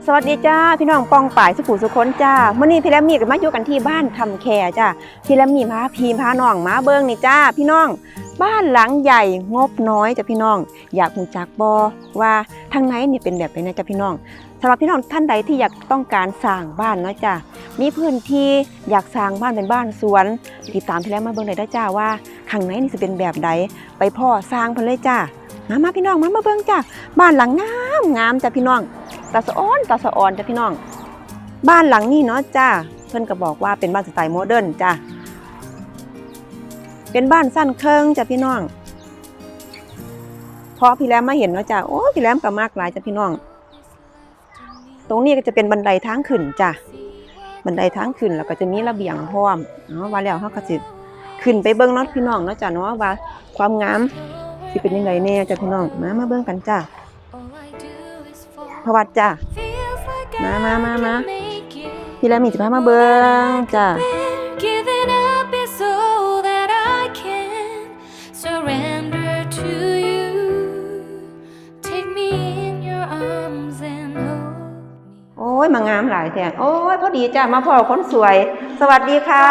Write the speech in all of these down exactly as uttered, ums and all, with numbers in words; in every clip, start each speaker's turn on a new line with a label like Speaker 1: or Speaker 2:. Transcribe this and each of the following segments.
Speaker 1: สวัสดีจ้าพี่น้องปองป่ายสุขุสุขนจ้าเมื่อนี้พี่แรมมี่กับมาอยู่กันที่บ้านคำแคจ้าพี่แรมมี่มาพีพาน้องมาเบิ้งนี่จ้าพี่น้องบ้านหลังใหญ่งบน้อยจ้าพี่น้องอยากหูจักบอว่าทางไหนนี่เป็นแบบไหนนะจ้าพี่น้องสำหรับพี่น้องท่านใดที่อยากต้องการสร้างบ้านเนาะจ้ามีพื้นที่อยากสร้างบ้านเป็นบ้านสวนติดตามพี่แรมมาเบิ้งได้จ้าว่าข้างในนี่จะเป็นแบบใดไปพ่อสร้างเพิ่นเลยจ้ามามาพี่น้องมามาเบิ้งจ้าบ้านหลังงามงามจ้าพี่น้องตาสะอ้อนตาสะอ่อนจ้ะพี่น้องบ้านหลังนี้เนาะจ้าเพิ่นก็บอกว่าเป็นบ้านสไตล์โมเดิร์นจ้าเป็นบ้านสั้นเคิงจ้ะพี่น้องพอพี่แรมมาเห็นเนาะจ้าโอ้พี่แรมก็มากหลายจ้ะพี่น้องตรงนี้ก็จะเป็นบันไดทางขึ้นจ้ะบันไดทางขึ้นแล้วก็จะมีระเบียงพร้อมเนาะว่าแล้วเฮาก็สิขึ้นไปเบิ่งเนาะพี่น้องเนาะจ้าเนาะว่าความงามสิเป็นยังไงแน่จ้ะพี่น้องมามาเบิ่งกันจ้าพวัดจ้ามามามามาพี่แรมมี่จะพามาเบิ้งจ้าโอ้ยมางามหลายแท้โอ้ยพอดีจ้ามาพ่อคนสวยสวัสดีค่ะ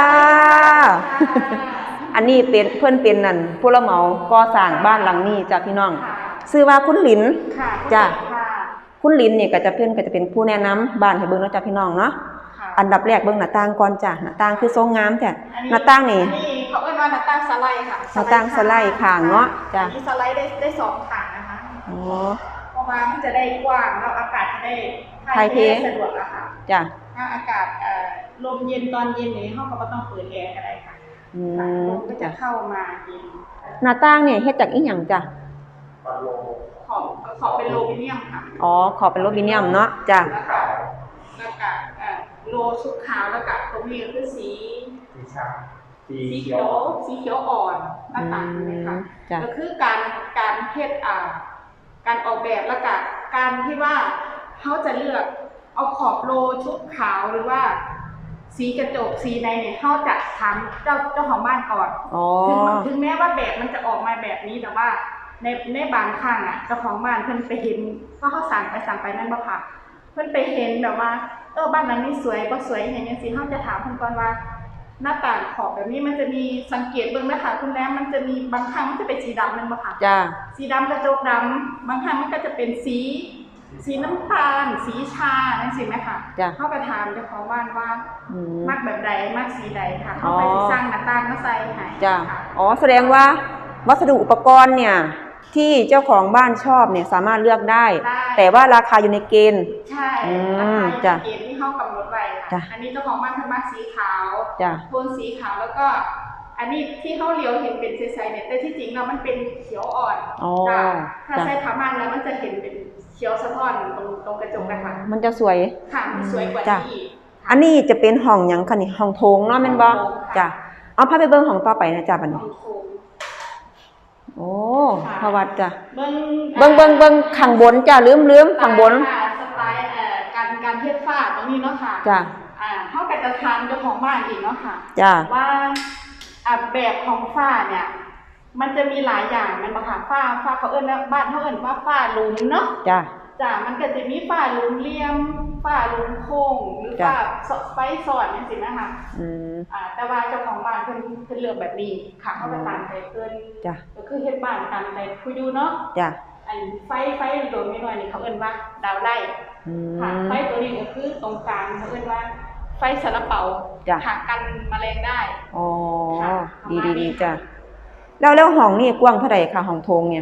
Speaker 1: อันนี้เป็นเพื่อนเป็นนั่นผู้รับเหมาก่อสร้างบ้านหลังนี้จ้าพี่น้องชื่อว่าคุณหลินจ้าคุณลินนี่ก็จะเป็นก็จะเป็นผู้แนะนำบ้านให้เบิ่งเนาะจ้ะพี่น้องเนาะอันดับแรกเบิ่งหน้าต่างก่อนจ้ะหน้าต่างคือทรงงามจ้ะหน้าต่างนี่
Speaker 2: เขาเรียกว่าหน้าต่างสไลด์ค่ะ
Speaker 1: หน้าต่างสไลด์ข้างเนาะจ้ะ
Speaker 2: มีสไลด์ได้ได้สองข้างนะคะ
Speaker 1: อ๋อ
Speaker 2: เพราะว่ามันจะได้กว้างแล้วอากาศจะได้
Speaker 1: ถ่ายเท
Speaker 2: สะดวกอะค่ะ
Speaker 1: จ้ะ
Speaker 2: ถ้าอากาศลมเย็นตอนเย็นนี่ห้องก็ต้องเปิดแอร์ก็ได้ค่ะ
Speaker 1: อืม
Speaker 2: ก็จะเข้ามาเย็น
Speaker 1: หน้าต่างเนี่ยเฮ็ดจากอีหยังจ้ะ
Speaker 2: ขอบขอบเป็นโลบิเนียมค่ะ
Speaker 1: อ๋อขอบเป็นโลบิเนียมเนาะจ้ะ
Speaker 2: แล้วก็โลชุดขาวแล้วก็ตรงนี้คือสีสีเขียวสีเขียวอ่อนหน้าต่างนะคะก็คือการการเฮ็ดอ่าการออกแบบแล้วก็การที่ว่าเขาจะเลือกเอาขอบโลชุดขาวหรือว่าสีกระจกสีในเนี่ยเขาจะถามเจ้าเจ้าของบ้านก่อนถึงถึงแม้ว่าแบบมันจะออกมาแบบนี้แต่ว่าในในบางครั้งอ่ะเจ้าของบ้านเพิ่นไปเห็นเพราะเขาสั่งไปสั่งไปนั่นบ่ค่ะเพิ่นไปเห็นแบบว่าเออบ้านนั้นนี่สวยบ่สวยอย่างเงี้ยสิเขาจะถามเพิ่นก่อนว่าหน้าต่างขอบแบบนี้มันจะมีสังเกตเบิ่งนะคะคุณแม่มันจะมีบางครั้งมันจะเป็นสีดำนั่นบ่ค่ะ
Speaker 1: จ้า
Speaker 2: สีดำกระจกดำบางครั้งมันก็จะเป็นสีสีน้ำตาลสีชานั่นสิไหมคะเขาไปถามเจ้าของบ้านว่ามักแบบใดมักสีใดค่ะเขาไปสร้างหน้าต่างมาใส่ให้
Speaker 1: จ้าอ๋อแสดงว่าวัสดุอุปกรณ์เนี่ยที่เจ้าของบ้านชอบเนี่ยสามารถเลือกได้แต่ว่าราคาอยู่ในเกณฑ์
Speaker 2: ใช่ราคาอยู่ในเกณฑ์ที่เขากำหนดไว้ค่ะอันนี้เจ้าของบ้านเพิ่นมักสีขาวโทนสีขาวแล้วก็อันนี้ที่เขาเลี้ยวเห็นเป็นใสๆเนี่ยแต่ที่จริงแล้วมันเป็นเขียวอ่อนจ้ะถ้าใช้ผ้าม่านแล้วมันจะเห็นเป็นเขียวสะท้อนตรงตรงกระจกนะคะ
Speaker 1: มันจะสวย
Speaker 2: ค่ะสวยกว่านี้
Speaker 1: อันนี้จะเป็นห้องหยังคะนี่ห้องโถงเนาะแม่นบ่จ้ะเอาพาไปเบิ่งห้องต่อไปนะจ้ะบัดนี้โอ้พวัดจ้ะเบิ้งเบิ้งเบิ้งข้างบนจ้ะลืมลืมข้างบน
Speaker 2: สไตล์เอ่อการการเทฝ้าตรงนี้เนาะค่ะ
Speaker 1: จ้ะ
Speaker 2: อ่าเฮาก็จะทานเจ้าของบ้านอีกเนาะค่ะ
Speaker 1: จ้ะ
Speaker 2: ว่าอ่าแบบของฝ้าเนี่ยมันจะมีหลายอย่างมันบ่ค่ะฝ้าฝ้าเขาเอิ้นว่าบ้านเฮาเอิ้นว่าฝ้าหลุมเนาะ
Speaker 1: จ้ะ
Speaker 2: จ้ะมันก็จะมีฝ้าหลุมเหลี่ยมฝ้าหลุมโค้งหรือฝ้าไฟซ้อนจังซี่นะคะอืมอ่าแต่ว่าเจ้าของบ้านเพิ่นเพิ่นเลือกแบบนี้ค่ะเฮาก็ตามใจเพิ่น
Speaker 1: จ้ะ
Speaker 2: ก็คือเฮ็ดบ้านตามใจคุยดูเนาะ
Speaker 1: จ้ะ
Speaker 2: อันไฟไฟโดนน้อยๆนี่เขาเอิ้นว่าดาวไล่ค่ะไฟตัวนี้ก็คือตรงกลางเขาเอิ้นว่าไฟซาลาเปาค่ะกันแมลงได้
Speaker 1: อ๋อดีๆๆจ้ะแล้วแล้วห้องนี่กว้างเท่าใดคะห้องโถงเนี่ย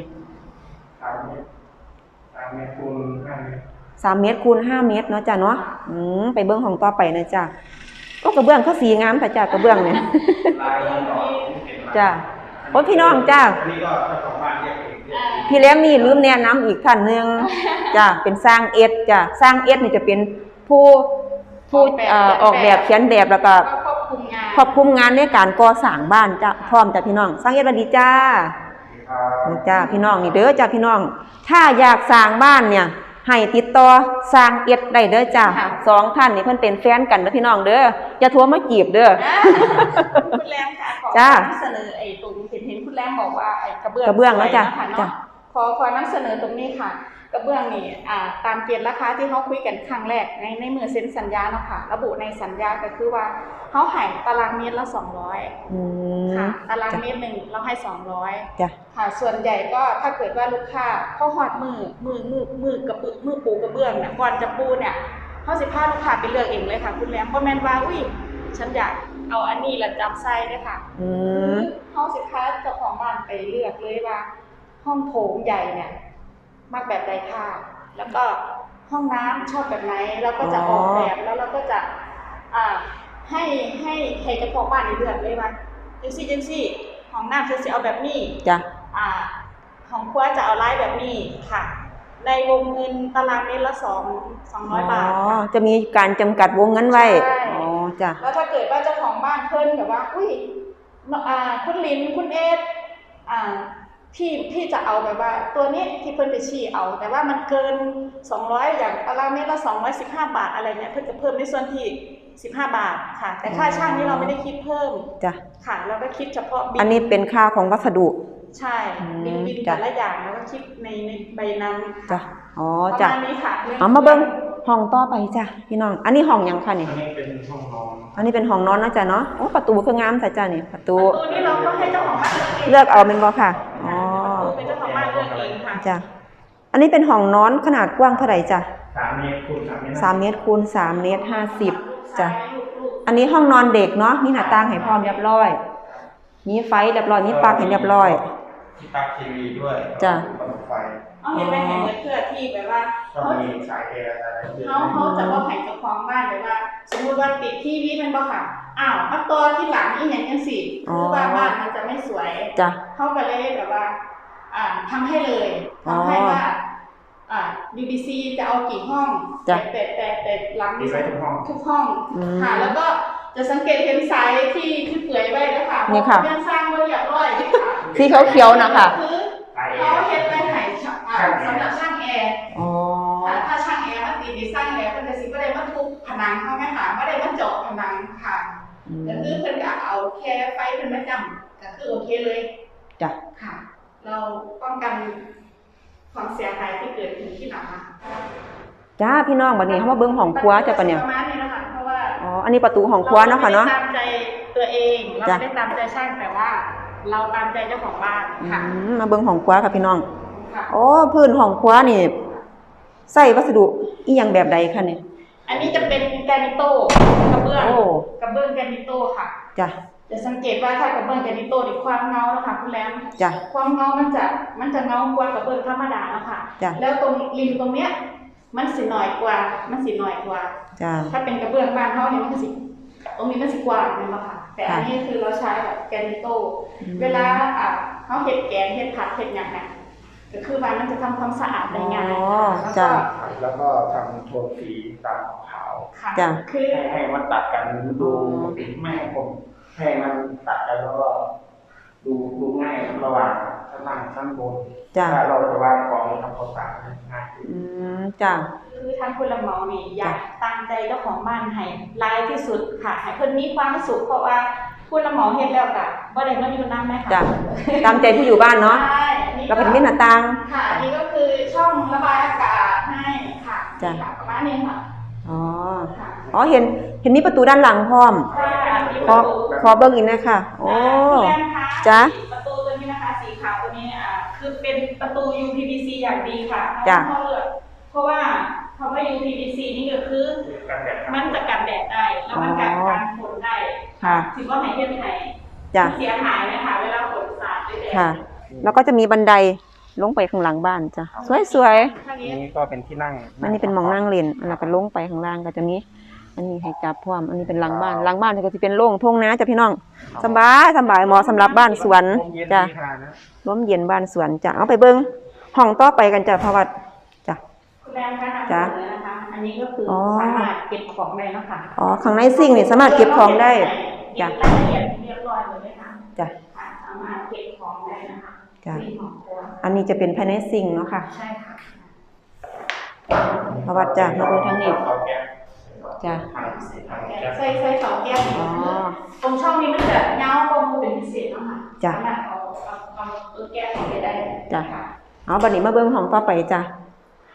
Speaker 3: สามเมตรคูณห้าเมตร
Speaker 1: สามเมตรคูณห้าเมตรเนาะจ้ะเนาะอืมไปเบื้องห้องต่อไปนะจ้ะก็กระเบื้องเขาสีงามแต่จ้ะกระเบื้องเนี่ยจ้ะโอ้พี่น้องจ้ะพี่แรมมี่ลืมแนะนำอีกท่านหนึ่งจ้ะเป็นสร้างเอ็ดจ้ะสร้างเอ็ดนี่จะเป็นผู้ผู้ออกแบบเขียนแบบแล้วก็ควบคุมงานในการก่อสร้างบ้านจ้ะพร้อมจ้ะพี่น้องสร้างเอ็ดสวัสดีจ้านี่จ้าพี่น้องนี่เด้อจ้าพี่น้องถ้าอยากสร้างบ้านเนี่ยให้ติดต่อสร้างเอ็ดได้เด้อจ้าสองท่านนี่เพิ่นเป็นแฟนกันเด้อพี่น้องเด้ออย่าโทรมาจีบเด้อ
Speaker 2: คุณแรมค่ะขอจ้าเสนอไอ้ตรงเห็นเห็นคุณแรมบอกว่าไอ้กระเบื้อง
Speaker 1: กระเบื้องแล้วจ้าจ้า
Speaker 2: ขอขอนำเสนอตรงนี้ค่ะกระเบื้องนี่อ่าตามเกณฑ์ราคาที่เขาคุยกันครั้งแรกในในมือเซ็นสัญญาเนาะค่ะระบุในสัญญาก็คือว่าเขาให้ตารางเมตรละสองร้อย
Speaker 1: อืม
Speaker 2: ค่ะตารางเมตรหนึ่งเราให้สองร้อย
Speaker 1: จ้ะ
Speaker 2: ค่ะส่วนใหญ่ก็ถ้าเกิดว่าลูกค้าพอหอดมือมือมือมือกระเบื้องมือปูกระเบื้องเนี่ยก่อนจะปูเนี่ยเขาสิพาลูกค้าไปเลือกเองเลยค่ะคุณแรมเพราะแม่นว่าอุ้ยฉันอยากเอาอันนี้ละจับไส้ด้วยค่ะ
Speaker 1: อืม
Speaker 2: เขาสิพาเจ้าของบ้านไปเลือกเลยว่า ห้องโถงใหญ่เนี่ยมักแบบใดค่ะแล้วก็ห้องน้ำชอบแบบไหนเราก็จะออกแบบแล้วเราก็จะอ่าให้ให้ให้เจ้าของบ้านเลือกเลยว่าจังซี่จังซี่ห้องน้ำฉันสิเอาแบบนี้
Speaker 1: จ้ะ
Speaker 2: อ่าของครัวจะเอาไลน์แบบนี้ค่ะในวงเงินตารางเมตรละสองสองร้อยบาท
Speaker 1: อ๋อ
Speaker 2: ค่ะ
Speaker 1: จะมีการจำกัดวงเงินไว้
Speaker 2: ใช่
Speaker 1: อ๋อจ้ะ
Speaker 2: แล้วถ้าเกิดว่าเจ้าของบ้านเพิ่นแบบว่าอุ้ยอ่าคุณลินคุณเอสอ่าพี่พี่จะเอาแบบว่า ตัวนี้ที่เพิ่นไปชี้เอา แต่ว่ามันเกินสองร้อยอย่างตารางเมตรละสองร้อยสิบห้าบาทอะไรเนี่ยเพิ่นจะเพิ่มในส่วนที่สิบห้าบาทค่ะ แต่ค่าช่างนี่เราไม่ได้คิดเพิ่ม
Speaker 1: จ้ะ
Speaker 2: ค่ะเราก็คิดเฉพาะบิล
Speaker 1: อันนี้เป็นค่าของวัสดุ
Speaker 2: ใช่
Speaker 1: อืม
Speaker 2: บินบิน
Speaker 1: จ้ะ
Speaker 2: แต่ละอย่างแล้วก็คิดในในใบนั้น
Speaker 1: จ้ะ อ๋อ
Speaker 2: ประ
Speaker 1: จ้ะ
Speaker 2: มาณนี้ค่ะรื่อง
Speaker 1: เอามาเบิ่งห้องต่อไปจ้ะพี่น้อง อันนี้ห้องหยังคะนี่
Speaker 3: อันนี้เป็นห้องนอน
Speaker 1: อันนี้เป็นห้องนอนเนาะจ้ะเนาะ โอ้ ประตูคืองามแต่จ้ะนี่ ประตู
Speaker 2: ประตูนี่เราก็ให้เจ้าของบ้าน
Speaker 1: เลือกเอาเป็นบ่ค่ะ อ๋อ
Speaker 2: ประตูเป็นเจ้าของบ้านเลือกเองค่ะ
Speaker 1: จ้ะ อันนี้เป็นห้องนอนขนาดกว้างเท่าไหร่จ้ะ
Speaker 3: สามเมตรคูณสามเมตร
Speaker 1: สามเมตรคูณสามเมตรห้าสิบจ้ะ
Speaker 2: ลูก
Speaker 1: อันนี้ห้องนอนเด็กเนาะ มีหน้าต่างให้พร้อมเรียบร้อย มีไฟเรียบร้อย มีปลั๊กให้เรียบร้อย
Speaker 3: ที่ปลั๊กทีวีด้วย
Speaker 1: จ้ะ
Speaker 3: ระบบไฟ
Speaker 2: ๆเอาเห็นไหมเห็นเหมือนเพื่อที่แบบว่า
Speaker 3: ก็
Speaker 2: เขา
Speaker 3: มีสายแอร์อะไรเยอะ
Speaker 2: เขาเขาจะว่าให้เจ้าของบ้านแบบว่า สมมุติว่าติดทีวีมันบ่ค่ะ อ้าวมาต่อที่หลังอีหยังจังซี่
Speaker 1: อ๋อ
Speaker 2: คือว่าบ้านมันจะไม่สวย
Speaker 1: จ้ะ
Speaker 2: เขาก็เลยแบบว่า อ่าทำให้เลยทำให้ว่า อ่า บี บี ซี จะเอากี่ห้อง
Speaker 1: จ้ะ
Speaker 2: แต่แต่แต่แต่หลัง
Speaker 3: มีไว้ทุกห้อง
Speaker 2: ทุกห้อง
Speaker 1: อืม
Speaker 2: ค่ะ แล้วก็จะสังเกตเห็นสายที่ที่เปื่อยไว้แล้วค่ะ
Speaker 1: นี่ค่ะ
Speaker 2: เพรายังสร้างไว้เรียบร้อยนี่ค่ะ
Speaker 1: สีเขียวๆนะคะ
Speaker 2: คือเขาเห็นไว้ให้ช่างอ่าสำหรับช่างแอร์
Speaker 1: อ๋อ
Speaker 2: ค่ะถ้าช่างแอร์มาตีดีไซน์แล้วเป็นจะสิบ่ได้มาทุบผนังเขาไหมคะไม่ได้มาเจาะผนังค่ะ
Speaker 1: อืม
Speaker 2: ก็คือเพิ่นก็เอาแค่ไฟเพิ่นมาจำก็คือโอเคเลย
Speaker 1: จ้ะ
Speaker 2: ค่ะ เราป้องกันความเสียหายที่เกิดขึ้นที่หลังนะ
Speaker 1: จ้าพี่น้องบัดนี้เฮามาเบิ่งห้องครัวจ้ะปะเนี่ย
Speaker 2: ประมาณนี้นะคะเพราะว่า
Speaker 1: อ๋อ อันนี้ประตูห้องครัวเนาะค่ะเนาะ
Speaker 2: รไม่ได้ตามใจตัวเองเรา
Speaker 1: จ้ะ
Speaker 2: ไม่ได้ตามใจช่างแต่ว่า เราตามใจเจ้าของบ้าน
Speaker 1: อื
Speaker 2: ค่ะ
Speaker 1: มมาเบิ่งห้องครัวค่ะพี่น้อง
Speaker 2: ค่ะ
Speaker 1: โอ้พื้นห้องครัวนี่ใส่วัสดุอีหยังแบบใดคะเนี่ย
Speaker 2: อันนี้จะเป็นแกรนิโต้กระเบื้อง
Speaker 1: โอ้
Speaker 2: กระเบื้องแกรนิโต้ค่ะ
Speaker 1: จ้ะ
Speaker 2: จะสังเกตว่าถ้ากระเบื้องแกรนิโต้นี่ความเงาแล้วค่ะคุณแรม
Speaker 1: จ้ะ
Speaker 2: ความเงามันจะมันจะเงากว่ากระเบื้องธรรมดาแล้วค่ะ
Speaker 1: จ้ะ
Speaker 2: แล้วตรงริมตรงเนี้ยมันสิหน่อยกว่ามันสิหน่อยกว่า
Speaker 1: จ้ะ
Speaker 2: ถ้าเป็นกระเบื้องบ้านเขาเนี่ยมันก็สิตรงนี้มันสิกว้างเลยค่ะแต่อันนี้คือเราใช้แบบแกรนิโต้
Speaker 1: อืม
Speaker 2: เวลาอ่ะเขาเฮ็ดแกงเฮ็ดผัดเฮ็ดหยังเนี่ยก็คือว่ามันจะทำความสะอาดได้ง่าย
Speaker 1: อ๋อ
Speaker 2: แล้ว
Speaker 1: จ้ะ
Speaker 2: ก็
Speaker 3: แล้วก็ทำโทนสีตามขาว
Speaker 2: ค่ะ
Speaker 1: จ้ะ
Speaker 2: คือ
Speaker 3: ให้ให้มันตัดกันดูไม่ให้ผมให้มันตัดกันแล้วก็ดูดูง่ายระหว่างชั้นล่างชั้นบน
Speaker 1: จ้ะ
Speaker 3: ถ้าเราจะวางกองทำความสะอาดง่ายขึ้น
Speaker 1: อืมจ้ะ
Speaker 2: คือทางผู้รับเหมานี่อยากตามใจเจ้าของบ้านให้รายที่สุดค่ะให้เพิ่นมีความสุขเพราะว่าผู้รับเหมาเฮ็ดแล้วก็บ่ได้มาอยู่นำแม่ค่ะ
Speaker 1: จ้ะ ตามใจผู้อยู่บ้านเนาะ
Speaker 2: ใช่อันนี้
Speaker 1: แล้วก็จะมีหน้าต่าง
Speaker 2: ค่ะอันนี้ก็คือช่องระบายอากาศให้ค่ะ
Speaker 1: จ้ะ
Speaker 2: ค่ะประมาณนี้ค่ะ
Speaker 1: อ๋อ
Speaker 2: ค่ะ
Speaker 1: อ๋อ เห็น เห็นมีประตูด้านหลังพร้อม
Speaker 2: ค่ะอันนี้
Speaker 1: ข
Speaker 2: ป
Speaker 1: อ
Speaker 2: ระตู
Speaker 1: ขอเบิ่งอีกนะคะโอ้
Speaker 2: คุณแรมคะ
Speaker 1: จ้ะ
Speaker 2: ประตูตัวนี้นะคะสีขาวตัวนี้อ่าคือเป็นประตู ยู พี วี ซี อย่างดีค่ะ
Speaker 1: จ้ะ
Speaker 2: เพราะเลือกเพราะว่าคำว่า ยู พี วี ซี นี่ก็คือ
Speaker 3: การแดดครับ
Speaker 2: มันจะกันแดดได้ แล้วมันกันการฝนได้
Speaker 1: ค่ะ
Speaker 2: ถือว่าไหนเทียบไหน
Speaker 1: จ้ะ
Speaker 2: เสียหายไหมคะเวลาฝนสาดด้วยแดด
Speaker 1: ค่ะ แล้วก็จะมีบันไดลงไปข้างหลังบ้านจ้ะ สวย
Speaker 2: ทางนี้
Speaker 3: นี่ก็เป็นที่นั่ง
Speaker 1: ๆ อันนี้เป็นหมองนั่งเล่นแล้วก็ลงไปข้างล่างก็จะมี อันนี้ให้จับพร้อม อันนี้เป็นหลังบ้าน หลังบ้านก็จะเป็นโล่งทุ่งนาจ้ะพี่น้อง สบายสบายเหมาะสำหรับบ้านสวนจ้ะ ร่มเย็นบ้านสวนจ้ะ เอาไปเบิ่งห้องต่อไปกันจ้ะพระวัดจ้ะ
Speaker 2: คุณแรมคะนำเส
Speaker 1: จ้ะ
Speaker 2: นอนะคะ อันนี้ก็คืออ
Speaker 1: อ
Speaker 2: สามารถเก็บของได้นะคะ
Speaker 1: อ๋อ ข้างในซิ่งนี่สามารถเก็บของได้
Speaker 2: เก็
Speaker 1: จ้ะ
Speaker 2: บรายละเอียดเรียบร้อยเลยนะคะ
Speaker 1: จ้ะ
Speaker 2: ค่ะสามารถเก็บของได้นะคะ
Speaker 1: จ้ะ
Speaker 2: มีของครัว
Speaker 1: อันนี้จะเป็นภายในซิ่งเนาะค่ะ
Speaker 2: ใช่ค่ะ
Speaker 1: พระวัดจ้ะ มาเบิ่งทางนี้
Speaker 3: เตาแก๊ส
Speaker 1: จ้ะ
Speaker 2: ใส่ใส่เสาแก้วนี่
Speaker 1: อ๋อ
Speaker 2: ตรงช่องนี้มันจะเงาข้อมูลเป็นพิเศษเนาะค่ะ
Speaker 1: จ้ะ
Speaker 2: สามารถเอาเอาเอาเออแก้วออกไปได้
Speaker 1: จ้ะ
Speaker 2: ค่ะ
Speaker 1: เอาบัดนี้มาเบิ่งห้องต่อไปจ้ะ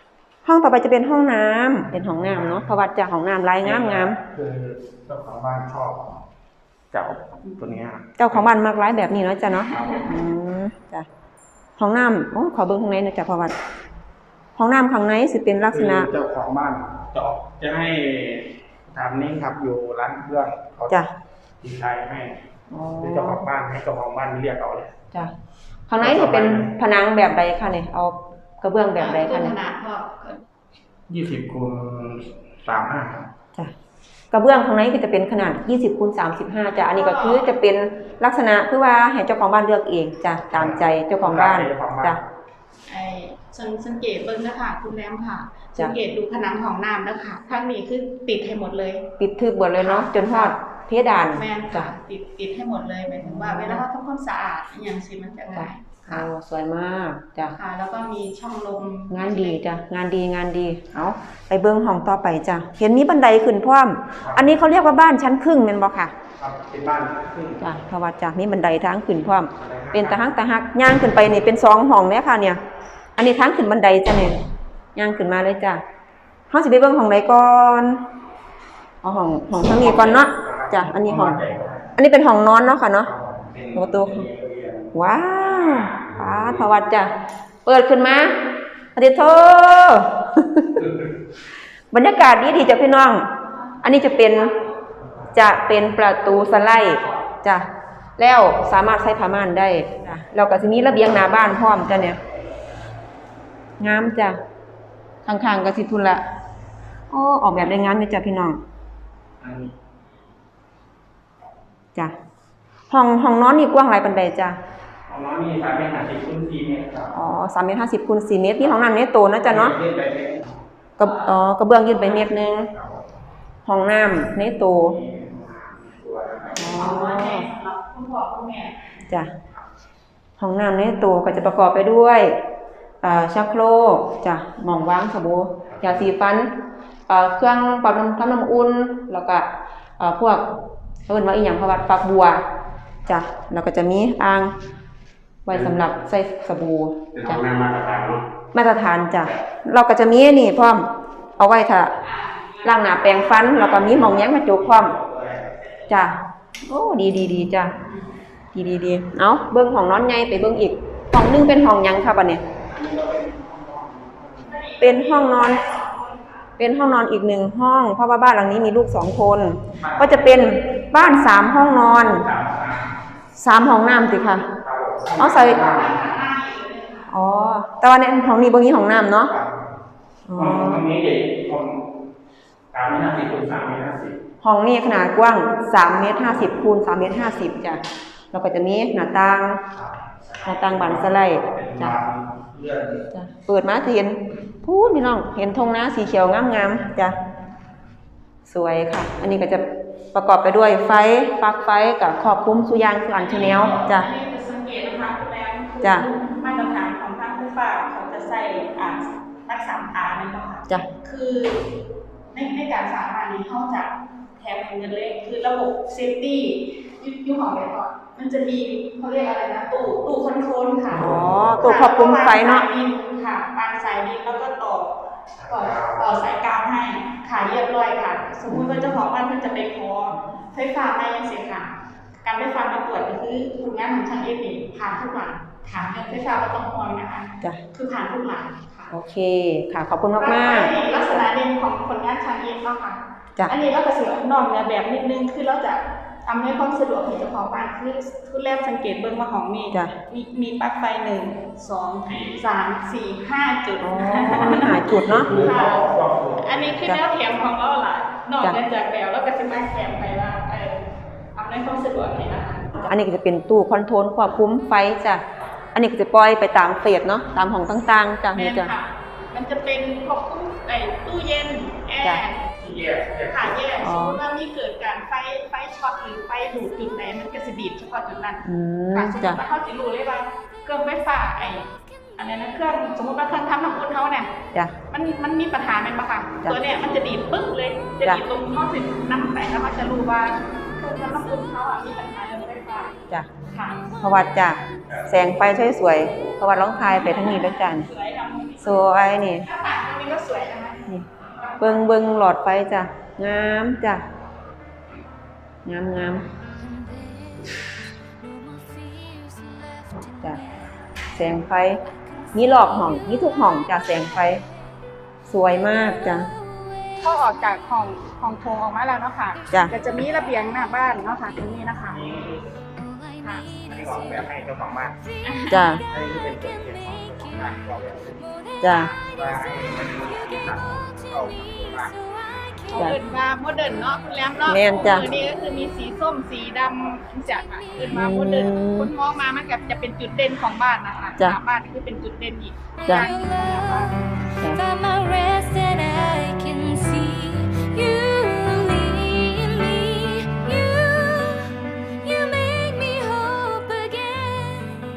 Speaker 1: ห้องต่อไปจะเป็นห้องน้ำเป็นห้องน้ำเนาะเพราะว่าจะห้องน้ำลายงามงาม
Speaker 3: คือเจ้าของบ้านชอบเจ้าตัวเนี้ย
Speaker 1: เจ้าของบ้านมักร้ายแบบนี้เนาะจ้ะเนาะอืมจ้ะห้องน้ำโอ้ขอเบิ่งข้างในหน่อยจ้ะเพราะว่าห้องน้ำข้างในสิเป็นลักษณะ
Speaker 3: คือเจ้าของบ้านจะออกจะให้ทำนี่ครับอยู่ร้านเครื่องเขา
Speaker 1: จ้ะ
Speaker 3: ดีไซน์ให้
Speaker 1: อ๋อ
Speaker 3: คือเจ้าของบ้านให้เจ้าของบ้านเรียกเอาเลย
Speaker 1: จ้ะข้างในสิเป็นผนังแบบใดคะเนี่ยเอากระเบื้องแบบใดคะ
Speaker 2: ข
Speaker 1: เนี่ย
Speaker 2: นาดก็
Speaker 3: ยี่สิบคูณสามห้า
Speaker 1: จ้ะกระเบื้องข้างในก็จะเป็นขนาดยี่สิบคูณสามสิบห้าจ้ะอันนี้ก็คือจะเป็นลักษณะคือว่าให้เจ้าของบ้านเลือกเองจ้ะตามใจเจ้าของบ้านจ้ะ
Speaker 2: ไอ้สังสังเกตเบิ่งนะคะคุณแรมค่ะ
Speaker 1: จ้ะ
Speaker 2: สังเกตดูผนังของน้ำนะคะข้างนี้คือติดให้หมดเลย
Speaker 1: ปิดทึบหมดเลยเนาะจนฮอดเพดาน
Speaker 2: แม่น
Speaker 1: จ้ะ
Speaker 2: ค่ะติดติดให้หมดเลยหมายถึงว่าเวลาเขาทำความสะอาดอหย่างสิมันจะง่ายค่ะ
Speaker 1: โอ้สวยมากจ้ะ
Speaker 2: ค่ะ แล้วก็มีช่องลม
Speaker 1: งานดีจ้ะงานดีงานดีเอาไปเบิ้งห้องต่อไปจ้ะเห็นมีบันไดขึ้นพร้อมอันนี้เขาเรียกว่าบ้านชั้นครึ่งแม่นบ่ค่ะ
Speaker 3: ครับเป็นบ้านครึ่ง
Speaker 1: จ้ะเพราะว่าจ้ะมีบันไดทางขึ้นพร้อมเป็นตะหักตะหักย่างขึ้นไปนี่เป็นสองห้องเนี่ยค่ะเนี่ยอันนี้ทางขึ้นบันไดจ้ะเนี่ยย่างขึ้นมาเลยจ้ะเฮาสิไปเบิ่งห้องใดก่อนเอาห้องห้องทางนี้ก่อนเนาะจ้ะอันนี้ห้องอันนี้เป็นห้องนอนเนาะค่ะเนาะ ประตู ว้าวป้าทวัดจ้ะเปิดขึ้นมาอดิโท บรรยากาศดีดีจ้ะพี่น้อง อันนี้จะเป็นจะเป็นประตูสไลด์จ้ะแล้วสามารถใช้ผ้าม่านได้จ้ะเราก็จะมีระเบียงหน้าบ้านพร้อมจ้ะเนี่ยงามจ้ะข้างๆก็สิทุนละโอ้ออกแบบได้งามเลยจ้ะพี่น้องจ้ะห้องห้องนอนนี่กว้างหลายปานใดจ้ะ
Speaker 3: ของน้องมีสามเมตรห้าสิบคูณสี่เมตรครับ
Speaker 1: อ๋อสามเมตรห้าสิบคูณสี่เมตรนี่ห้องน้ำเนี่ยโตนะจ๊ะเนาะ
Speaker 3: ยื่นไปเลย
Speaker 1: กระอ๋อกระเบื้องยื่นไปเมตรหนึงห้องน้ำเนี่ยโต
Speaker 2: อ๋อแม่สำหรับคุณพ่อคุณแม่
Speaker 1: จ้ะห้องน้ำเนี่ยโตก็จะประกอบไปด้วยอ่าชักโครกจ้ะหม่องวางสบู่ยาสีฟันอ่าเครื่องปรับน้ำทำน้ำอุ่นแล้วก็อ่าพวกเอิ้นว่าอีหยังเพราะว่าฝักบัวจ้ะแล้วก็จะมีอ่างไว้สำหรับใส่สบู่
Speaker 3: เป็นห้
Speaker 1: จ้ะ
Speaker 3: องน้ำมาตรฐานเนาะ
Speaker 1: มาตรฐานจ้ะเราก็จะมีนี่พร้อมเอาไว้ถ้าล้างหน้าแปรงฟันแล้วก็มีหม่องแย้งกระจกพร้อมจ้ะโอ้ดีดีดีจ้ะดีดีดีเอาเบิ่งห้องนอนใหญ่ไปเบิ่งอีกห้องนึงเป็นห้องหยังครับอันนี้เป็นห้องนอน เป็นห้องนอนอีกหนึ่งห้องเพราะว่าบ้านหลังนี้มีลูกสองคนก็จะเป็นบ้านสามห้องนอนสามห้องน้ำสิค่ะเอาใส่อ๋อแต่ว่าในห้องนี้บ่มีห้องน้ำเนาะอ๋อ
Speaker 3: ห้องห้องนี้เด็กห้องสามเมตรห้าสิบคูณสามเมตรห้าสิบ
Speaker 1: ห้องนี้ขนาดกว้างสามเมตรห้าสิบคูณสามเมตรห้าสิบจ้ะแล้วก็จะมีหน้าต่างหน้าต่างบานสไลด์จ้ะ
Speaker 3: เลื่อน
Speaker 1: จ้ะเปิดมาจะเห็นพูดพี่น้องเห็นธงนาสีเขียวงามๆจ้ะสวยค่ะ อันนี้ก็จะประกอบไปด้วยไฟปลั๊กไฟกับครอบคลุมสุยางสุอันชแนลจ้ะ
Speaker 2: อันนี้จะสังเกตนะคะคุณแรมคือ
Speaker 1: จ้ะ
Speaker 2: มาตรฐานของทางผู้ป่าเขาจะใส่อ่ารักษาตาเนี่ยนะคะ
Speaker 1: จ้ะ
Speaker 2: คือในในการสาธารณนี้เขาจะแถมเงินเลยคือระบบเซฟตี้ยุคของแบบก่อนมันจะมีเขาเรียกอะไรนะตู้ตู้คอนโทรลค่ะ
Speaker 1: อ๋อตัวควบคุมไฟเนาะ
Speaker 2: วงสยดินค่ะวางสายดินแล้วก็ต่อต่อต่อสายกาวให้ค่ะเรียบร้อยค่ะ สมมุติว่าเจ้าของบ้านเพิ่นจะไปขอไฟฟ้ามายังเสียค่ะ การไฟฟ้ามาตรวจก็คือผลงานของช่างเอฟนี่ผ่านทุกหลังถามเรื่องไฟฟ้าก็ต้องห่วงนะคะ
Speaker 1: จ้ะ
Speaker 2: คือผ่านทุกหลังค่ะ
Speaker 1: โอเคค่ะขอบคุณมากมาก
Speaker 2: ลักษณะเด่นของผลงานช่างเอฟเนาะค่ะ
Speaker 1: ๆจ้ะ
Speaker 2: อันนี้เราก็สินอกเหนือแบบนิดนึงคือเราจะอำนวยความสะดวกให้เจ้าของบ้านคือทุนแรกสังเกตเบิ่งว่าของมี
Speaker 1: จ้ะ
Speaker 2: มีมีปลั๊กไฟหนึ่งสองสามสี่ห้าจุด
Speaker 1: อ๋อมีหาจุดเนาะ
Speaker 2: ค่ะอันนี้คือแนวแถมของเราล่ะนอกเหนือจากแบบแล้วก็จะมาแถมไปว่าเอออำนวยความสะดวกให้นะคะ
Speaker 1: อันนี้ก็จะเป็นตู้คอนโทรลควบคุมไฟจ้ะอันนี้ก็จะปล่อยไปตามเฟสเนาะตามห้องต่างๆจ้ะ
Speaker 2: แม่
Speaker 1: นี่
Speaker 2: น
Speaker 1: จ้ะ
Speaker 2: ค่ะ มันจะเป็นควบคุมไอ้ตู้เย็นแอ
Speaker 1: จ้ะ
Speaker 2: ร์
Speaker 3: ที่แยกแยก
Speaker 2: ค่ะแยก
Speaker 1: อ๋
Speaker 2: ส
Speaker 1: อ
Speaker 2: มมติว่ามีเกิดการไฟไฟช็อตหรือไฟดูดจุดไหนมันก็จะดีดเฉพาะจุดนั้น
Speaker 1: อืม
Speaker 2: ค่ะสมม
Speaker 1: จ้ะ
Speaker 2: ติว่าเขาจะรู้เลยว่าเครื่องไฟฟ้าไอ้อันนี้นะเครื่องสมมติว่าเครื่องทำน้ำอุ่นเขาเนี่ย
Speaker 1: จ้ะ
Speaker 2: มันมันมีปัญหาไหมบ้างคะ
Speaker 1: จ้ะ
Speaker 2: ตัวเนี้ยมันจะดีดปึ๊กเลยจะ
Speaker 1: จ้ะ
Speaker 2: ดีดตรงข้อสิบน้ำแตกแล้วมันจะรู้ว่าเครื่องทำน้ำอุ่นเขาอ่ะมีปัญหาเรื่องไฟฟ้า
Speaker 1: จ้ะ
Speaker 2: ค่ะ
Speaker 1: เพราะว่าจ้ะแสงไฟสวยๆเพราะว่าร้องทายไปทั้งนี้แล้วจ้ะ
Speaker 2: สวยค่ะ
Speaker 1: สวยนี่
Speaker 2: ถ้าต่างกันนี้ก็สวยนะคะ
Speaker 1: นี่เบิ่งเบิ่งหลอดไฟจ้ะงามจ้ะงามงามจ้ะแสงไฟมีหลอกห้องมีทุกห้องจ้ะแสงไฟสวยมากจ้ะ
Speaker 2: พอออกจากห้องห้องโถงออกมาแล้วเนาะค่ะ
Speaker 1: จ้ะ
Speaker 2: ก็จะมีระเบียงหน้าบ้านเนาะค่ะตรงนี้นะคะ
Speaker 3: นี่
Speaker 2: ค่ะ
Speaker 3: อันนี้ออกแบบให้เจ้าของบ้าน
Speaker 1: จ้ะ
Speaker 3: อันนี้เป็นจุดเด่นของเจ้าของบ้านออกแบบ
Speaker 1: จ้ะ
Speaker 3: ว่าให้มันมีสีสันเข้ากับบ้าน
Speaker 2: เขาเอิ้นว่าโมเดิร์นเนาะคุณแรมเนาะ
Speaker 1: แม่นจ้ะ
Speaker 2: มือนี้ก็คือมีสีส้มสีดำจากค่ะเอิ้นว่าโมเดิร์น
Speaker 1: อืม
Speaker 2: คุณมองมามันก็จะเป็นจุดเด่นของบ้านนะคะ
Speaker 1: จ้ะ
Speaker 2: หน้าบ้านคือเป็นจุดเด่นอีก
Speaker 1: จ้ะ
Speaker 2: อย่างหนึ่งของหน้าบ้าน
Speaker 4: Find my rest and I can see you lead me. You, you make me hope again.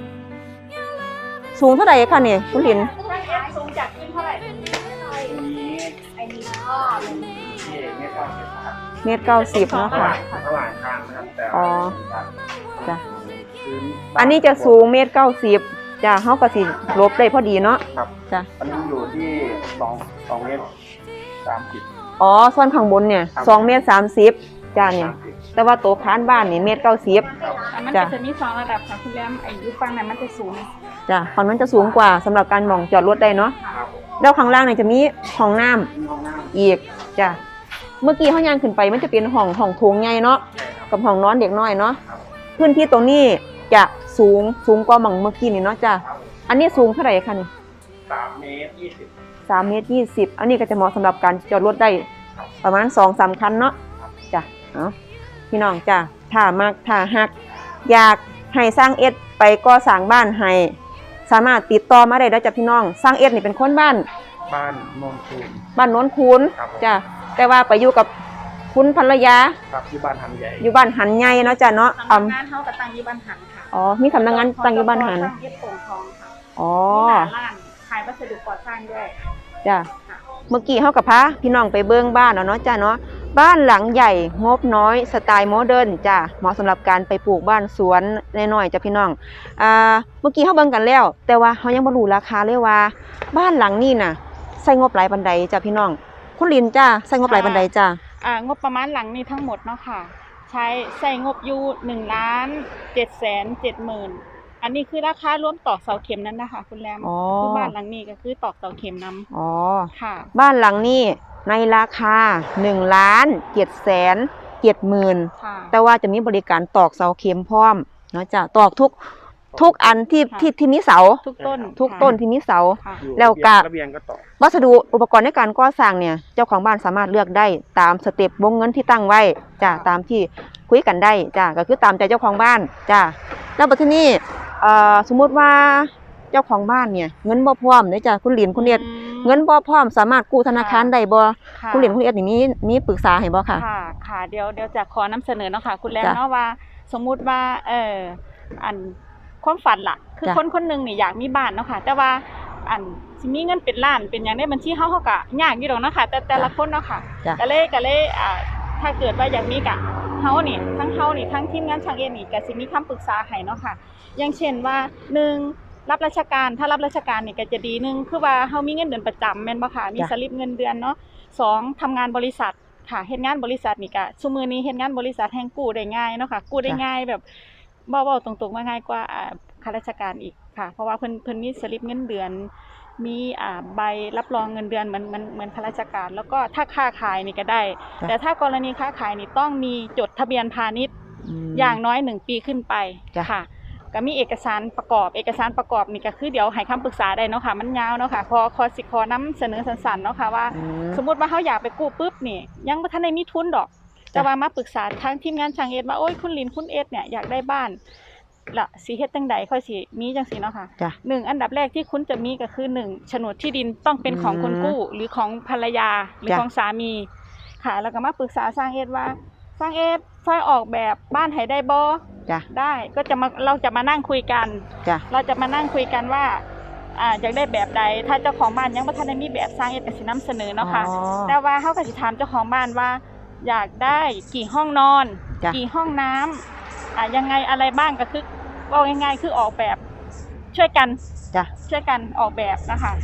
Speaker 4: Your love is
Speaker 1: สูงเท่าไหร่คะเนี่ยคุณลิน
Speaker 2: ถ้าเอฟสูงจากขึ้นเท่าไหร่
Speaker 3: อันนี้
Speaker 2: ไอ้นี่ก็
Speaker 3: ที่ไม่ต้องเก็บครับ
Speaker 1: เมตรเก้าสิบเนาะ
Speaker 3: ระห
Speaker 1: ค่ะ
Speaker 3: ว่างระหว่างทางนะครับแต่
Speaker 1: อ๋อ
Speaker 3: ครับ
Speaker 1: จ้ะ
Speaker 3: พื้น
Speaker 1: อันนี้จะสูงเมตรเก้าสิบจ้ะเฮาก็สิลบได้พอดีเนาะ
Speaker 3: ครับ
Speaker 1: จ้ะ
Speaker 3: อันนี้อยู่ที่สองสองเมตรสามสิบ
Speaker 1: อ๋อส่วนข้างบนเนี่ย
Speaker 3: ครับ
Speaker 1: สองเมตรสามสิบจ้ะเนี่ย
Speaker 3: สามสิบ
Speaker 1: แต่ว่าโต๊ะค้านบ้านนี่เมตรเก้าสิบ
Speaker 2: แต่มัน
Speaker 1: จ้ะ
Speaker 2: ก็จะมีสองระดับค่ะคุณแรมไอ้ยุฟังนั้นมันจะสูง
Speaker 1: จ้ะฝั่งนั้นจะสูงกว่าสำหรับการหม่องจอดรถได้เนาะ
Speaker 3: ครับผม
Speaker 1: แล้วข้างล่างเนี่ยจะมีห้องน้ำ
Speaker 3: มีห้องน้ำ
Speaker 1: อีกจ้ะเมื่อกี้ห้องย่างขึ้นไปมันจะเป็นห้องห้องโถงใหญ่เนาะ
Speaker 3: ใช่ครับ
Speaker 1: กับห้องนอนเด็กน้อยเนาะ
Speaker 3: ครับ
Speaker 1: พื้นที่ตรงนี้จะสูงสูงกว่าหม่องเมื่อกี้นี่เนาะจ้ะ
Speaker 3: ครับ
Speaker 1: อันนี้สูงเท่าไหร่คะนี่
Speaker 3: สามเมตรยี่สิบ
Speaker 1: สามเมตรยี่สิบอันนี้ก็จะเหมาะสำหรับการจอดรถได้ประมาณสองสามคันเนาะจ้ะเอาพี่น้องจ้ะถ้ามักถ้าฮัก อยากให้สร้างเอ็ดไปก่อสร้างบ้านให้สามารถติดต่อมาได้แล้วจ้ะพี่น้องสร้างเอ็ดนี่เป็นคนบ้าน
Speaker 3: บ้านโนนทูน
Speaker 1: บ้านโน้นคูน
Speaker 3: ครับ
Speaker 1: จ้ะแต่ว่าไปอยู่กับคุณภรรยา
Speaker 3: ครับที่บ้านหันใหญ่
Speaker 1: อยู่บ้านหันใหญ่เนาะจ้ะเนาะ
Speaker 2: สำ
Speaker 1: อ่
Speaker 2: นักงานเขากับตั้งอยี่บ้านหันค่ะ
Speaker 1: อ๋อมีสำนักงานตั้งอยู่บ้านหัน
Speaker 2: ตั้งเย็บโป่งทองค่ะ
Speaker 1: อ๋อ
Speaker 2: มีหน้าร้านขายวัสดุก่อสร้างด้วย
Speaker 1: จ้ะ
Speaker 2: ค่ะ
Speaker 1: เมื่อกี้เฮากับพาพี่น้องไปเบิ่งบ้านเนาะเนาะจ้ะเนาะบ้านหลังใหญ่งบน้อยสไตล์โมเดิร์นจ้ะเหมาะสำหรับการไปปลูกบ้านสวนน้อยๆจ้ะพี่น้องอ่าเมื่อกี้เฮาเบิ่งกันแล้ว แต่ว่าเฮายังบ่รู้ราคาเลยว่า บ้านหลังนี้น่ะใช้งบหลายปานใดจ้ะพี่น้องคุณลินจ้ะใช้งบหลายปานใดจ้ะ
Speaker 2: อ่างบประมาณหลังนี้ทั้งหมดเนาะค่ะ ใช้ใส่งบอยู่หนึ่งล้านเจ็ดแสนเจ็ดหมื่นอันนี้คือราคารวมตอกเสาเข็มนั้นนะคะคุณแรม
Speaker 1: อ๋อ
Speaker 2: คือบ้านหลังนี้ก็คือตอกเสาเข็มนํ
Speaker 1: อ๋อ
Speaker 2: ค่ะ
Speaker 1: บ้านหลังนี้ในราคาหนึ่งล้านเจ็ดแสนเจ็ดหมื่น
Speaker 2: ค่ะ
Speaker 1: แต่ว่าจะมีบริการตอกเสาเข็มพร้อมเนาะจ้ะตอกทุกทุกอันที่
Speaker 2: ค่ะ
Speaker 1: ที่ที่มีเสา
Speaker 2: ทุกต้น
Speaker 1: ทุก
Speaker 2: ค่ะ
Speaker 1: ต้นที่มีเสา
Speaker 2: ค่ะ
Speaker 3: อยู่
Speaker 1: แล้วก็
Speaker 3: ระเบียงก็ต่อ
Speaker 1: วัสดุอุปกรณ์ในการก่อสร้างเนี่ยเจ้าของบ้านสามารถเลือกได้ตามสเต็ปวงเงินที่ตั้งไว้จ้ะตามที่คุยกันได้จ้ะก็คือตามใจเจ้าของบ้านจ้ะแล้วบัดนี้เอ่อสมมุติว่าเจ้าของบ้านเนี่ยเงินบ่พร้อมเด้อจ้ะคุณหลินคุณเอ็ด
Speaker 2: อืม
Speaker 1: เงินบ่พร้อมสามารถกู้ธนาคารได้บ่
Speaker 2: ค่ะ
Speaker 1: คุณหลินคุณเอ็ดนี่มีมีปรึกษาให้บ่ค่ะ
Speaker 2: ค่ะ ค่ะ เดี๋ยวเดี๋ยวจะขอนำเสนอเนาะค่ะ คุณแรม
Speaker 1: จ้ะ
Speaker 2: เนาะว่า สมมุติว่า เอออันความฝันล่ะ คือ
Speaker 1: จ้ะ
Speaker 2: คนคนหนึงนี่อยากมีบ้านเนาะค่ะ แต่ว่าอันสิมีเงินเป็นล้านเป็นหยังในบัญชีเฮาเฮาก็ยากอยู่ดอกเนาะค่ะ แต่แต่ละคนเนาะค่ะ
Speaker 1: จ้ะ
Speaker 2: ก็เลยก็เลยอ่าถ้าเกิดว่าอยากมีกะเฮานี่ทั้งเฮานี่ทั้งทีมงานช่างเอ็นนี่ก็สิมีคำปรึกษาให้เนาะค่ะ อย่างเช่นว่าหนึ่งรับราชการถ้ารับราชการนี่ก็จะดีหนึงคือว่าเฮามีเงินเดือนประจำแม่นบ่ค่ะมี
Speaker 1: จ้ะ
Speaker 2: สลิปเงินเดือนเนาะสองทำงานบริษัทค่ะเฮ็ดงานบริษัทนี่ก็ซุมื้อนี้เฮ็ดงานบริษัทแห่งกู้ได้ง่ายเนาะค่ะกู้ได้ง่ายแบบเว้าๆตรงๆว่าง่ายกว่าอ่าข้าราชการอีกค่ะ เพราะว่าเพิ่นเพิ่นมีสลิปเงินเดือน มีอ่าใบรับรองเงินเดือนเหมือนเหมือนเหมือนข้าราชการ แล้วก็ถ้าค้าขายนี่ก็ได้
Speaker 1: จ้ะ
Speaker 2: แต่ถ้ากรณีค้าขายนี่ต้องมีจดทะเบียนพาณิชย์
Speaker 1: ม
Speaker 2: อย่างน้อยหนึ่งปีขึ้นไป
Speaker 1: จ้ะ
Speaker 2: ค่ะ ก็มีเอกสารประกอบเอกสารประกอบนี่ก็คือเดี๋ยวให้คำปรึกษาได้เนาะค่ะมันยาวเนาะค่ะขอขอสิขอนํเสนอสั้นๆเนาะค่ะว่า
Speaker 1: อืม
Speaker 2: สมมุติว่าเขาอยากไปกู้ปุ๊บนี่ยังบ่ทันได้มีทุนดอก แต่ว่ามาปรึกษาทางทีมงานช่างเอ็ดว่าโอ้ยคุณลินคุณเอ็ดเนี่ยอยากได้บ้านละสิเฮ็ดจังใดค่อยสิมีจังซี่เนาะค่ะ
Speaker 1: จ้ะ
Speaker 2: หนึ่งอันดับแรกที่คุณจะมีก็คือหนึ่งโฉนดที่ดินต้องเป็นของคนกู้หรือของภรรยาหรือ
Speaker 1: จ้ะ
Speaker 2: ของสามีค่ะ แล้วก็มาปรึกษาสร้างเอ็ดว่าสร้างเอ็ดช่วยออกแบบบ้านให้ได้บ่
Speaker 1: จ้ะ
Speaker 2: ได้ก็จะมาเราจะมานั่งคุยกัน
Speaker 1: จ้ะ
Speaker 2: เราจะมานั่งคุยกันว่าอ่าอยากได้แบบใดถ้าเจ้าของบ้านยังบ่ทันได้มีแบบสร้างเอ็ดก็สินำเสนอเนาะค่ะ
Speaker 1: อ๋อ
Speaker 2: แต่ว่าเขาก็สิถามเจ้าของบ้านว่า อยากได้กี่ห้องนอน
Speaker 1: จ้ะ
Speaker 2: กี่ห้องน้ำอ่ายังไงอะไรบ้างก็คือว่าง่ายๆคือออกแบบช่วยกัน
Speaker 1: จ้ะ
Speaker 2: ช่วยกันออกแบบนะคะ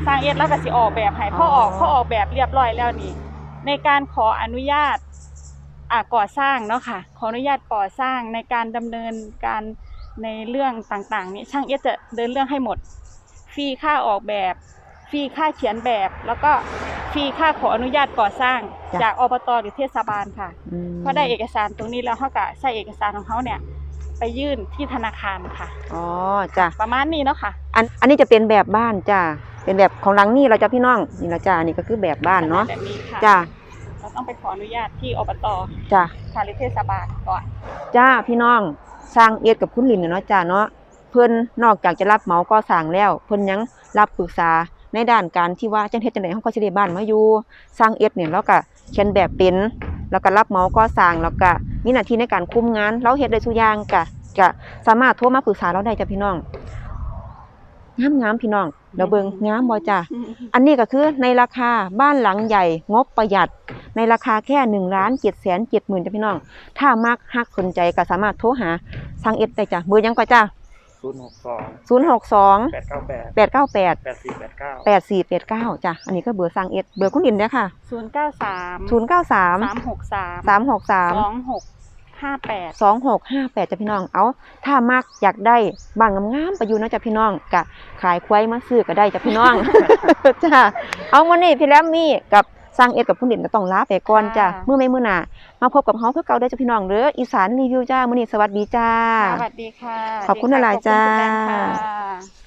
Speaker 2: สร้างเอ็ดแล้วก็สิออกแบบให้พอออกพอออกแบบเรียบร้อยแล้วนี่ในการขออนุญาตอ่าก่อสร้างเนาะค่ะขออนุญาตก่อสร้างในการดำเนินการในเรื่องต่างๆนี้ช่างเอ็ดจะเดินเรื่องให้หมดฟรีค่าออกแบบฟรีค่าเขียนแบบ แล้วก็ฟรีค่าขออนุญาตก่อสร้างจากอบต.หรือเทศบาลค่ะพอได้เอกสารตรงนี้แล้วเขาก็ใช้เอกสารของเขาเนี่ยไปยื่นที่ธนาคารค่ะ
Speaker 1: อ๋อจ้ะ
Speaker 2: ประมาณนี้เนาะค่ะ
Speaker 1: อันอันนี้จะเป็นแบบบ้านจ้ะเป็นแบบของหลังนี่เราจะพี่น้องนี่ละจ้ะอันนี้ก็คือแบบบ้านเนาะ
Speaker 2: แบบนี้ค่ะ
Speaker 1: จ้ะ
Speaker 2: เราต้องไปขออนุญาตที่อบต.
Speaker 1: จ้ะ
Speaker 2: ค่ะหรือเทศบาลก่อน
Speaker 1: จ้าพี่น้องสร้างเอ็ดกับคุณลินเนี่ยเนาะจ้าเนาะเพิ่นนอกจากจะรับเหมาก่อสร้างแล้วเพิ่นยังรับปรึกษาในด้านการที่ว่าจังเฮ็ดจังได๋เฮาก็สิได้บ้านมาอยู่สร้างเอ็ดเนี่ยเราก็เขียนแบบเป็นแล้วก็รับเหมาก่อสร้างแล้วก็มีหน้าที่ในการคุมงานเราเฮ็ดได้ทุกอย่างก็ก็สามารถโทรมาปรึกษาเราได้จ้ะพี่น้องงามๆพี่น้องเราเบิ่งงามบ่จ้าอันนี้ก็คือในราคาบ้านหลังใหญ่งบประหยัดในราคาแค่ หนึ่งล้านเจ็ดแสนเจ็ดหมื่น จ้ะพี่น้องถ้ามักฮักสนใจก็สามารถโทรหาสร้างเอ็ดได้จ้ะเบอร์หยังก็จ้า
Speaker 3: ศูนย์หกสอง
Speaker 1: ศูนย์ หก สอง
Speaker 3: แปดเก้าแปด
Speaker 1: แปด เก้า แปด
Speaker 3: แปดสี่แปดเก้า
Speaker 1: แปด สี่ แปด เก้าจ้ะอันนี้ก็เบอร์สร้างเอ็ดเบอร์คุณลินเด้อค่ะ
Speaker 2: ศูนย์เก้าสาม
Speaker 1: ศูนย์ เก้า สาม
Speaker 2: สามหกสาม
Speaker 1: สาม หก สาม
Speaker 2: สองหกห้าแปด
Speaker 1: สอง หก ห้า แปดจ้ะพี่น้องเอาถ้ามักอยากได้บ้านงามๆไปอยู่เนาะจ้ะพี่น้องก็ขายควายมาซื้อก็ได้จ้ะพี่น้อง จ้ะเอามื้อนี้พี่แรมมี่กับสร้างเอ็ดกับคุณลินก็ต้องลาไปก่อนจ้ะมื้อไม่มื้อหน้ามาพบกับเฮาคือเก่าเด้อจ้ะพี่น้องเด้ออีสานรีวิวจ้ามื้อนี้สวัสดีจ้า
Speaker 2: สวัสดีค่ะ
Speaker 1: ขอบคุณหลายๆจ้า
Speaker 2: ขอบคุณคุณแดนค่ะ